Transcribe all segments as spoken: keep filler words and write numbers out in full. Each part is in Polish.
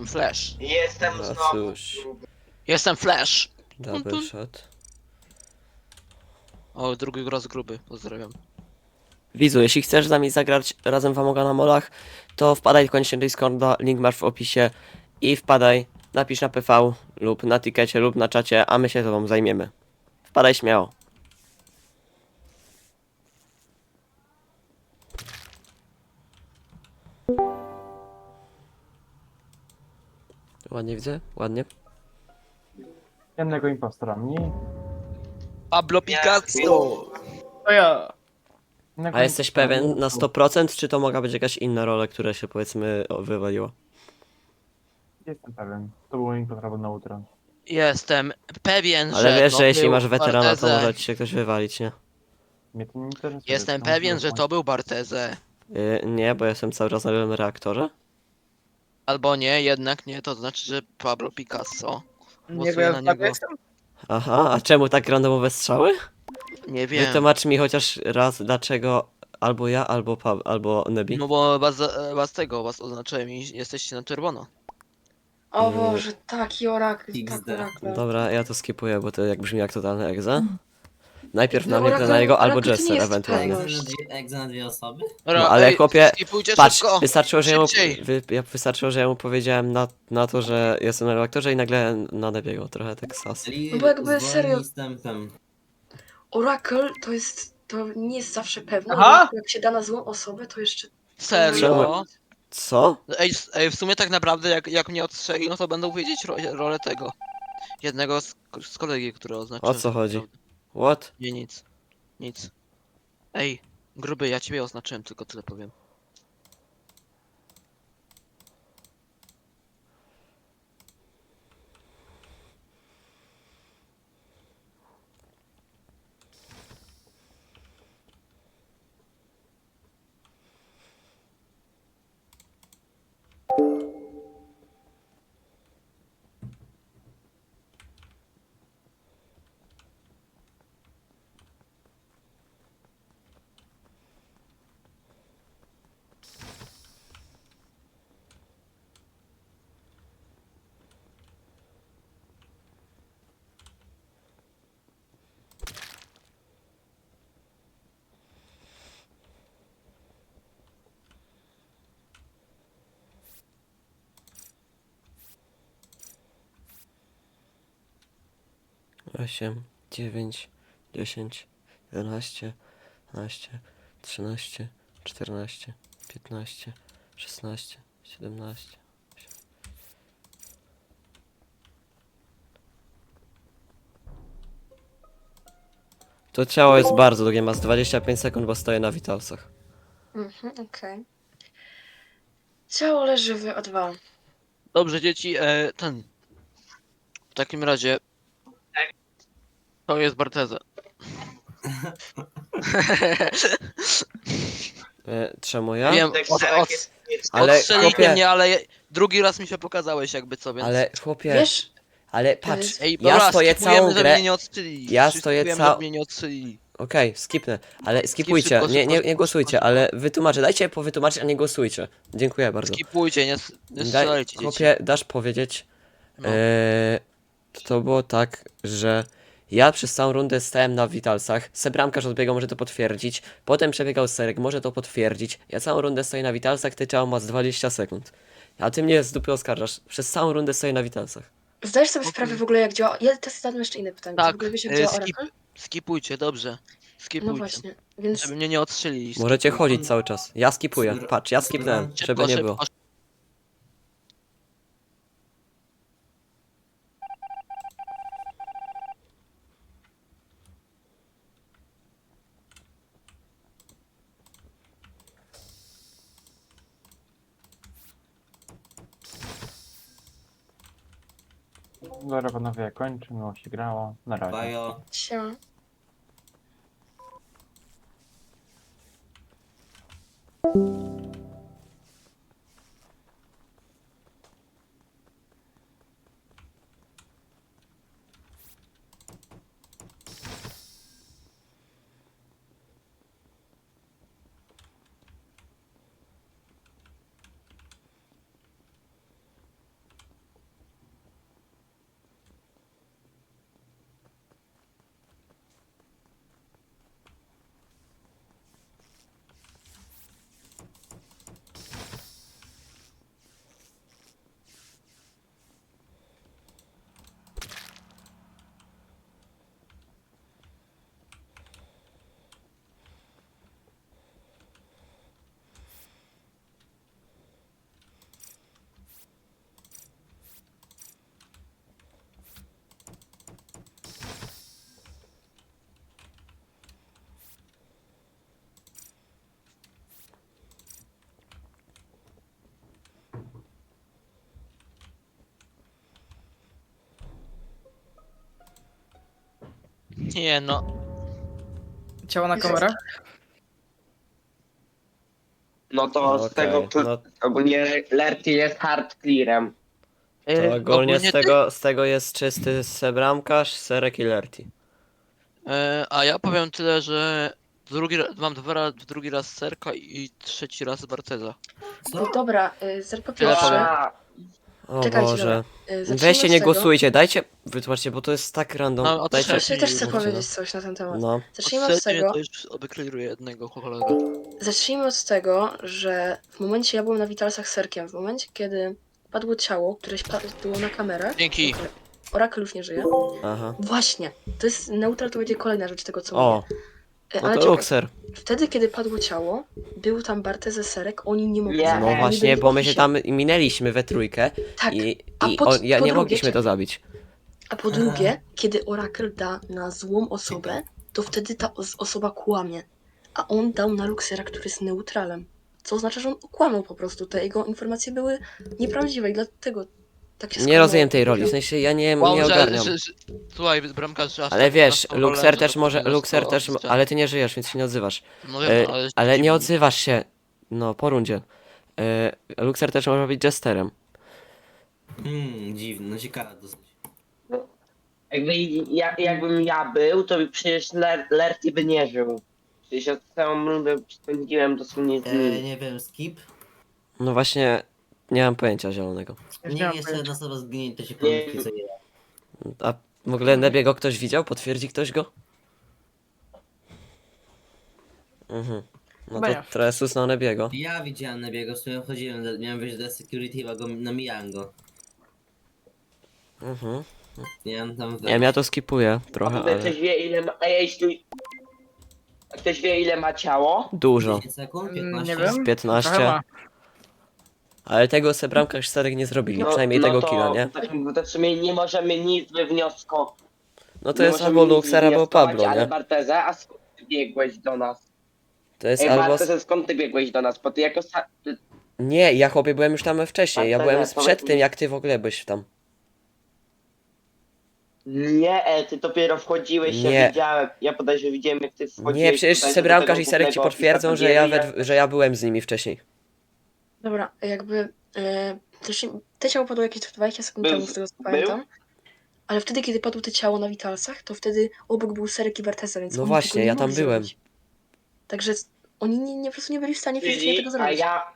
Jestem Flash. Jestem No znowu cóż. gruby. Jestem Flash. Double shot. O, drugi raz gruby, pozdrawiam. Widzu, jeśli chcesz z nami zagrać razem w Amoga na molach, to wpadaj koniecznie do Discorda, link masz w opisie i wpadaj, napisz na P V lub na tikecie lub na czacie, a my się tobą zajmiemy. Wpadaj śmiało. Ładnie widzę? Ładnie. Jednego impostora mniej. Pablo Picasso! To ja. Jednego A jesteś impostora pewien mniej. na sto procent, czy to mogła być jakaś inna rola, która się powiedzmy o, wywaliła? Jestem pewien. To było impostor albo neutron. Jestem pewien, że Ale wiesz, to że jeśli był masz weterana, to Barteze. może ci się ktoś wywalić, nie? Mnie to nie interesuje. Jestem to pewien, może że to był Barteze. Yy, nie, bo jestem cały czas na lewym reaktorze. Albo nie, jednak nie, to znaczy, że Pablo Picasso. Nie Głosuję wiem, na tak niego. jestem. Aha, a czemu tak randomowe strzały? Nie wiem. Wytłumacz mi chociaż raz, dlaczego albo ja, albo Pab, albo Nebi. No bo was, was tego, was oznaczyłem i jesteście na czerwono. O Yy. Boże, taki orakl, tak X D. orakl. Dobra, ja to skipuję, bo to jak brzmi jak totalny egza. Najpierw No, na mnie, Oracle- na niego, albo Oracle to nie Jester jest ewentualnie. pewność. Egza na dwie- egza na dwie osoby? Dobra, No ale ej, chłopie, skipujcie Patrz, szybko! wystarczyło, że ja mu, Szybciej. wy, ja wystarczyło, że ja mu powiedziałem na, na to, że jestem na reaktorze i nagle na Nebiego, trochę tak sas. Czyli No bo jakby zwolni serio- z tempem. Oracle to jest, to nie jest zawsze pewne. Aha! Jak się da na złą osobę, to jeszcze... Serio? Co? Ej, s- ej, w sumie tak naprawdę jak, jak mnie odstrzeli, no to będą wiedzieć ro rolę tego. Jednego z, z kolegi, który oznaczyłem. O co chodzi? Naprawdę. What? Nie, nic. Nic. Ej, gruby, ja ciebie oznaczyłem, tylko tyle powiem. osiem, dziewięć, dziesięć, jedenaście, dwanaście, trzynaście, czternaście, piętnaście, szesnaście, siedemnaście. To ciało jest bardzo długie, ma z dwadzieścia pięć sekund, bo stoję na witalsach. Mhm, okej. Ciało leży w O dwa. Dobrze, dzieci, e, ten. W takim razie. To jest Barteze. E, czemu ja? Wiem, Tak od, szereg od, jest jest- Ale odstrzelili chłopie- mnie, ale je- drugi raz mi się pokazałeś jakby co, więc... Ale chłopie, Wiesz, ale patrz, Ej, ja dobra, stoję skipujemy, całą żeby grę. mnie nie odstrzelili. Ja Wszyscy stoję skipujemy, cał- żeby mnie nie odstrzelili. Okej, skipnę, ale skipujcie, szybko, nie, nie, szybko, nie głosujcie, szybko. ale wytłumaczę, dajcie powytłumaczyć, a nie głosujcie. Dziękuję bardzo. Skipujcie, nie, s- nie Daj, strzelajcie, dzieci. chłopie, dasz powiedzieć, No. eee, to było tak, że ja przez całą rundę stałem na witalsach, sebramkarz odbiegał, może to potwierdzić, potem przebiegał serek, może to potwierdzić, ja całą rundę stoję na witalsach, ty ciało ma z dwadzieścia sekund. A ty mnie z dupy oskarżasz, przez całą rundę stoję na witalsach. zdajesz sobie Okej. sprawę w ogóle jak działa... Ja teraz zadam jeszcze inne pytanie. Czy Tak, w ogóle wiesz jak e, działa skip, Oracle? skipujcie, dobrze. Skipujcie. No właśnie, więc... Żeby mnie nie odstrzelili. Możecie chodzić cały czas, ja skipuję, patrz, ja skipnąłem, Szybko, żeby nie szybko, było. Dobra panowie, kończę, miło się grało. Na razie. Bajo. Siema. Nie no. Ciało na kamerę? No to z Okej, tego pl- no ogólnie Lerty jest hard clearem. to E, ogólnie z ty- tego, z tego jest czysty sebramkarz, serek i lerti. E, a ja powiem tyle, że drugi ra- mam dwa ra- drugi raz Serka i trzeci raz Barteza. No dobra, y, zer po Tyle pierwsze, powiem. A, O Czekajcie, Boże. y, zacznijmy Weźcie, od nie tego- głosujcie, dajcie, wytłumaczcie, bo to jest tak random. No, o to dajcie, też- Ja też chcę mówcie, no. powiedzieć coś na ten temat. No, Zacznijmy od Odsecznie tego, to już obykliruję jednego kolegę. zacznijmy od tego, że w momencie ja byłem na Witalsach z Serkiem, w momencie kiedy padło ciało, które się pa- było na kamerach. Dzięki. Okej, Orakel już nie żyje. aha. Właśnie, to jest neutral, to będzie kolejna rzecz tego, co O, mówię. E, no Ale to czekaj, Luxer. wtedy kiedy padło ciało, był tam Barteze Serek, oni nie mogli Nie. zabić, No oni właśnie, byli bo my się oficie. tam minęliśmy we trójkę Tak, i, a i po- on, ja po nie drugie, mogliśmy to czekaj. zabić. A po drugie, kiedy Orakel da na złą osobę, to wtedy ta os- osoba kłamie. A on dał na Luxera, który jest neutralem. Co oznacza, że on okłamał po prostu. Te jego informacje były nieprawdziwe i dlatego tak się Nie skłamało. rozumiem tej roli, w sensie ja nie, Wow, nie że, ogarniam. że, że, słuchaj, bramkarz, że aż Ale tak wiesz, na tą rolę, Luxer że też to może, powinno Luxer to też, odciąć. ale ty nie żyjesz, więc się nie odzywasz. No wiem, E, ale... ale nie odzywasz się, no po rundzie. E, Luxer też może być jesterem. Hmm, dziwne, no ciekawe dosyć. jakby ja, jakbym ja był, to by przecież Ler- Lerty by nie żył. Przecież ja całą rundę spędziłem dosłownie z E, nim. nie wiem, skip? No właśnie, nie mam pojęcia zielonego. Już Nie, nie mam jeszcze pojęcia. jedna osoba zginie, to się Nie. pomyśli, co nie. A w ogóle Nebiego ktoś widział? Potwierdzi ktoś go? Mhm. No Chyba to nie. trochę sus na Nebiego. Ja widziałem Nebiego, w sumie chodziłem, do- miałem wyjść do security, chyba go namijałem go. Mhm. Nie wiem, tam Nie wiem, ja to skipuję A trochę, w ogóle ale ktoś wie ile ma... A jeśli... A ktoś wie ile ma ciało? dużo. dziesięć sekund, Mm, piętnaście? nie wiem. Trochę piętnaście. ma. Ale tego sebramka już Serek nie zrobili, No, przynajmniej no tego to, killa, nie? Tak, to w sumie nie możemy nic wywnioskować. No to jest albo Luxer, albo Pablo, Ale nie? Barteze, a skąd ty biegłeś do nas? To jest Ej, albo... Barteze, skąd ty biegłeś do nas? Bo ty jako... Sa... ty- Nie, ja chłopie byłem już tam wcześniej, ja Barteze, byłem przed powiedz tym mi- jak ty w ogóle byś tam. Nie, e, ty dopiero wchodziłeś, Nie. ja widziałem. Ja podejrzewam, widziałem jak ty wchodziłeś. Nie, przecież tutaj do sebramkarz tego i Serek ci głównego potwierdzą, ofisa że ja, Kagiery, we, że ja byłem z nimi wcześniej. Dobra, jakby... E, też, te ciało padło jakieś dwadzieścia sekund Był- temu, z tego co był? pamiętam. Ale wtedy, kiedy padło te ciało na Witalsach, to wtedy obok był Serek i Barteza, więc No oni właśnie, tego nie ja tam mogli byłem. zrobić. Także oni nie, nie, po prostu nie byli w stanie fizycznie Czyli, tego a zrobić. ja...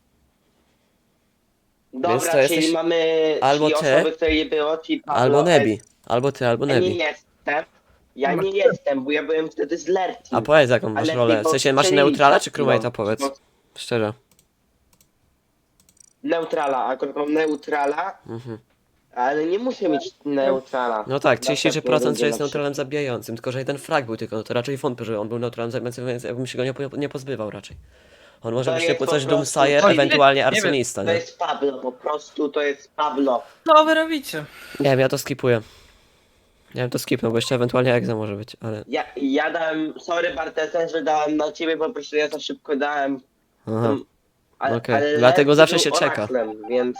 Dobra, Więc to czyli jesteś mamy albo czyli ty, osoby, której nie było, czyli Pablo, Albo S. Nebi. Albo ty, albo Ja nie Nebi. jestem. Ja Ma- nie jestem, bo ja byłem wtedy z Lertim. A powiedz jaką masz Ale rolę. W tylko sensie masz strzeli- neutrala czy no, crewmate'a, powiedz. no, Szczerze. Neutrala, akurat mam neutrala, Mhm. ale nie muszę mieć neutrala. No tak, Na trzydzieści trzy pewno procent, będzie że jest na neutralem zabijającym, tylko że jeden frag był tylko, no to raczej wątpię, że on był neutralem zabijającym, więc ja bym się go nie, po- nie pozbywał raczej. On może To być jest typu po coś prostu- Doomsayer, Oj, ewentualnie nie wiem. arsonista, To nie? jest Pablo, po prostu to jest Pablo. Co wy robicie? Nie wiem, ja to skipuję. Ja bym to skipnął, bo jeszcze ewentualnie egza może być, ale... Ja, ja dałem, sorry Bartese, że dałem na ciebie, po prostu ja za szybko dałem. Aha. um, ale- Okej, ale dlatego Lerty zawsze był się czeka. oraklem, Więc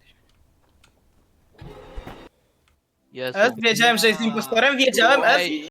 Jezu. S, wiedziałem, że jest impostorem, wiedziałem, S. Ej,